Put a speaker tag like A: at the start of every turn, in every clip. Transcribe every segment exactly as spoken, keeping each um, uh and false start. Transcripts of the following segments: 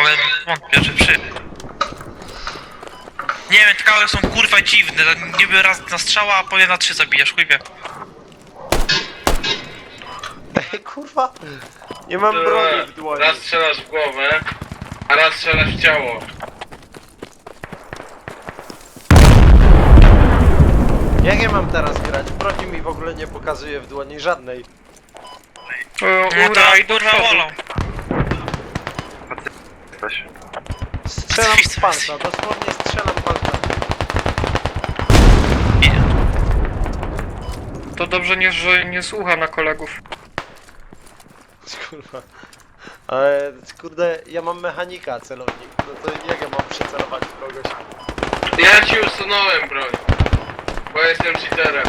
A: ale wątpię, że przy... Nie wiem, te kały są kurwa dziwne, niby raz na strzała, a potem na trzy zabijasz, chujbie.
B: Ej, kurwa, nie mam broni w dłoni.
C: Raz strzelasz w głowę, a raz strzelasz w ciało.
B: Jak ja mam teraz grać? Broni mi w ogóle nie pokazuje w dłoni żadnej.
A: No to kurwa wolą.
B: Strzelam z palca, dosłownie strzelam palcami.
D: To dobrze nie, że nie słucha na kolegów.
B: Kurwa. Ale kurde, ja mam mechanika celownik. No to jak ja mam przycelować w kogoś?
C: Ja ci usunąłem broń, bo jestem cheaterem.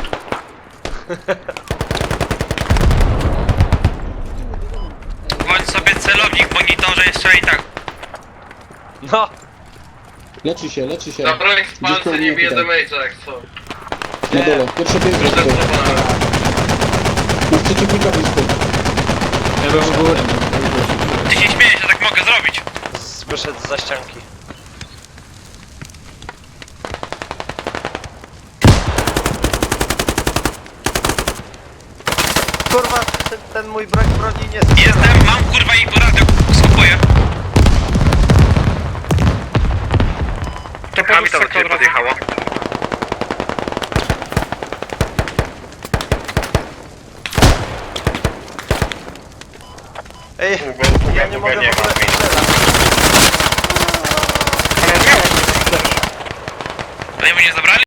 A: Bądź sobie celownik w monitorze jeszcze i tak.
B: No!
E: Leczy się, leczy się.
C: Na broń z
E: Gdzieś koło
C: palce nie
E: mnie
C: bije
E: tutaj.
C: damage'a jak co.
E: Na dole, pierwsze piętro.
C: Protestowałem.
E: Masz przeciwnika blisko.
F: Ja bym w górę.
A: Ty się śmiejesz, ja tak mogę zrobić.
B: Z- Wyszedł za ścianki. Kurwa, ten, ten mój brak broni nie strzela.
A: Jestem, mam kurwa i po radio skupuję.
D: To podróż sektor podjechało.
B: Ej,
C: Długo,
B: ja nie
C: długo
B: mogę
C: nie
B: w ogóle
C: ma.
B: strzelać.
D: Ale miałem też.
A: To nie mnie zabrali?